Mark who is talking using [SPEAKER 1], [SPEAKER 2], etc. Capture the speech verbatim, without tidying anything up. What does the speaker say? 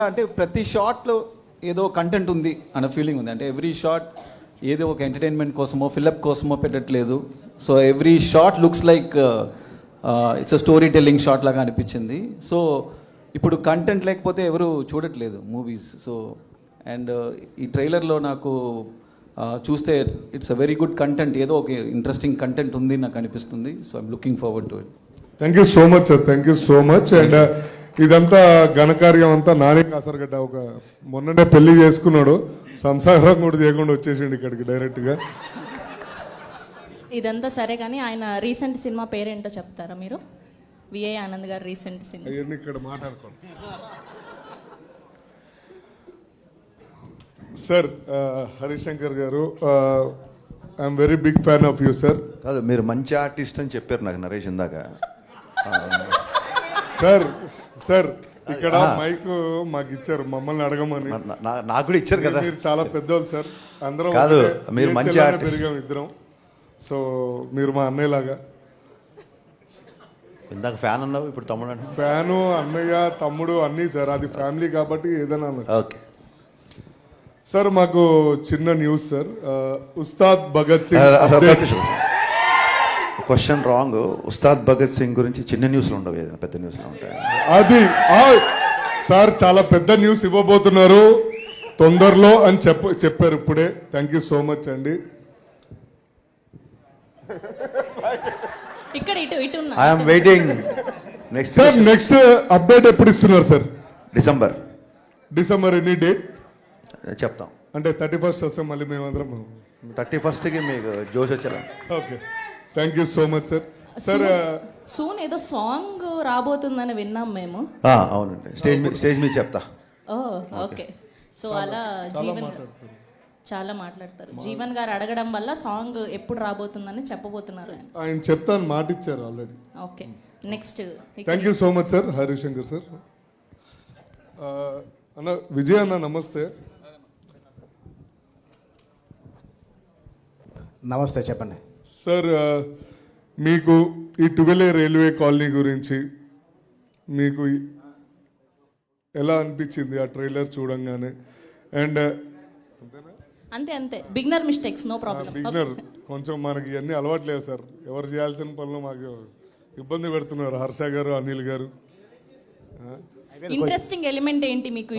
[SPEAKER 1] అంటే ప్రతి షాట్లో ఏదో కంటెంట్ ఉంది అన్న ఫీలింగ్ ఉంది. అంటే ఎవ్రీ షాట్ ఏదో ఒక ఎంటర్టైన్మెంట్ కోసమో ఫిల్అప్ కోసమో పెట్టట్లేదు. So every shot looks like it's a story telling shot లాగా అనిపించింది. సో ఇప్పుడు కంటెంట్ లేకపోతే ఎవరు చూడట్లేదు మూవీస్. సో అండ్ ఈ ట్రైలర్లో నాకు uh, చూస్తే it's a very good content, ఏదో ఒక ఇంట్రెస్టింగ్ కంటెంట్ ఉంది నాకు అనిపిస్తుంది. So I'm looking forward to it.
[SPEAKER 2] Thank you so much sir, thank you so much. And ఇదంతా ఘనకార్యం అంతా నాని కాసరగడ్డ ఒక మొన్ననే పెళ్లి చేసుకున్నాడు, సంసారం కూడా చేయకుండా వచ్చేసిండు ఇక్కడికి డైరెక్ట్ గా.
[SPEAKER 3] ఇదంతా సరే కానీ ఆయన రీసెంట్ సినిమా పేరేంటో చెప్తారా మీరు? విఏ ఆనంద్ గారు రీసెంట్ సినిమా
[SPEAKER 2] అవన్నీ ఇక్కడ మాట్లాడుకోండి sir. Harishankar garu, I'm very big fan of you sir.
[SPEAKER 4] కాదు, మీరు మంచి ఆర్టిస్ట్ అని చెప్పారు నాకు నరేష్ ఇందాక.
[SPEAKER 2] సార్ సార్ ఇక్కడ మైక్ మాకు ఇచ్చారు మమ్మల్ని అడగమని.
[SPEAKER 4] నా- నాకు కూడా ఇచ్చారు కదా.
[SPEAKER 2] మీరు చాలా పెద్దోళ్ళు సార్, అందరం
[SPEAKER 4] కాదు,
[SPEAKER 2] ఒకటే
[SPEAKER 4] మీరు
[SPEAKER 2] ఏ
[SPEAKER 4] మంచి
[SPEAKER 2] చెల్లెనే
[SPEAKER 4] ఆర్టిస్ట్.
[SPEAKER 2] పెరిగాం ఇద్దరం. సో మీరు మా అన్నయ్యలాగా.
[SPEAKER 4] ఇందాక ఫ్యాన్ అన్నావు, ఇప్పుడు తమ్ముడు అంటే.
[SPEAKER 2] ఫ్యాను, అన్నయ్య, తమ్ముడు అన్నీ సార్, అది ఫ్యామిలీ కాబట్టి ఏదైనా అనొచ్చు.
[SPEAKER 4] ఓకే
[SPEAKER 2] సార్ మాకు చిన్న న్యూస్ సార్. ఆ, Ustaad Bhagat Singh update.
[SPEAKER 4] Question wrong. Ustaad Bhagat Singh గురించి చిన్న న్యూస్లు ఉండవు, ఏదైనా పెద్ద న్యూస్లు ఉంటాయి.
[SPEAKER 2] అది ఆ, సార్ చాలా పెద్ద న్యూస్ ఇవ్వబోతున్నారు తొందరలో అని చెప్ప చెప్పారు ఇప్పుడే. థ్యాంక్ యూ సో మచ్ అండి.
[SPEAKER 3] ఇక్కడ ఇటు ఇటు ఉన్నా.
[SPEAKER 4] I'm waiting. Next
[SPEAKER 2] sir next update ఎప్పుడు ఇస్తున్నారు sir?
[SPEAKER 4] December
[SPEAKER 2] December any date
[SPEAKER 4] చెప్తాం.
[SPEAKER 2] అంటే థర్టీ ఫస్ట్ వస్తాం మళ్ళీ మేమందరం.
[SPEAKER 4] థర్టీ ఫస్ట్కి మీకు జోష్ వచ్చేలా.
[SPEAKER 2] Okay, thank you so much sir. Sir
[SPEAKER 3] soon ఏదో సాంగ్ రాబోతుందని విన్నాం మేము.
[SPEAKER 4] ఆ, అవునండి, స్టేజ్ మీద స్టేజ్ మీద చెప్తా.
[SPEAKER 3] ఓ ఓకే. సో అలా జీవన్ చాలా మాట్లాడతారు. జీవన్ గారు అడగడం వల్ల సాంగ్ ఎప్పుడు రాబోతుందని చెప్పబోతున్నారు ఆయన.
[SPEAKER 2] ఆయన చెప్తాను మాట ఇచ్చారు already.
[SPEAKER 3] Okay, next.
[SPEAKER 2] Thank you so much sir Harishankar sir. అన్న విజయ్ అన్న నమస్తే.
[SPEAKER 5] నమస్తే, చెప్పండి
[SPEAKER 2] సార్. మీకు ఈ ట్వెల్వ్ రైల్వే కాలనీ గురించి మీకు ఎలా అనిపించింది ఆ ట్రైలర్ చూడంగానే? అండ్
[SPEAKER 3] అంతే అంతే beginner mistakes, no problem.
[SPEAKER 2] Beginner కొంచెం మనకి ఇవన్నీ అలవాట్లేదు సార్. ఎవరు చేయాల్సిన పనులు మాకు ఇబ్బంది పెడుతున్నారు హర్ష గారు, అనిల్ గారు.
[SPEAKER 3] ఇంట్రెస్టింగ్ ఎలిమెంట్ ఏంటి మీకు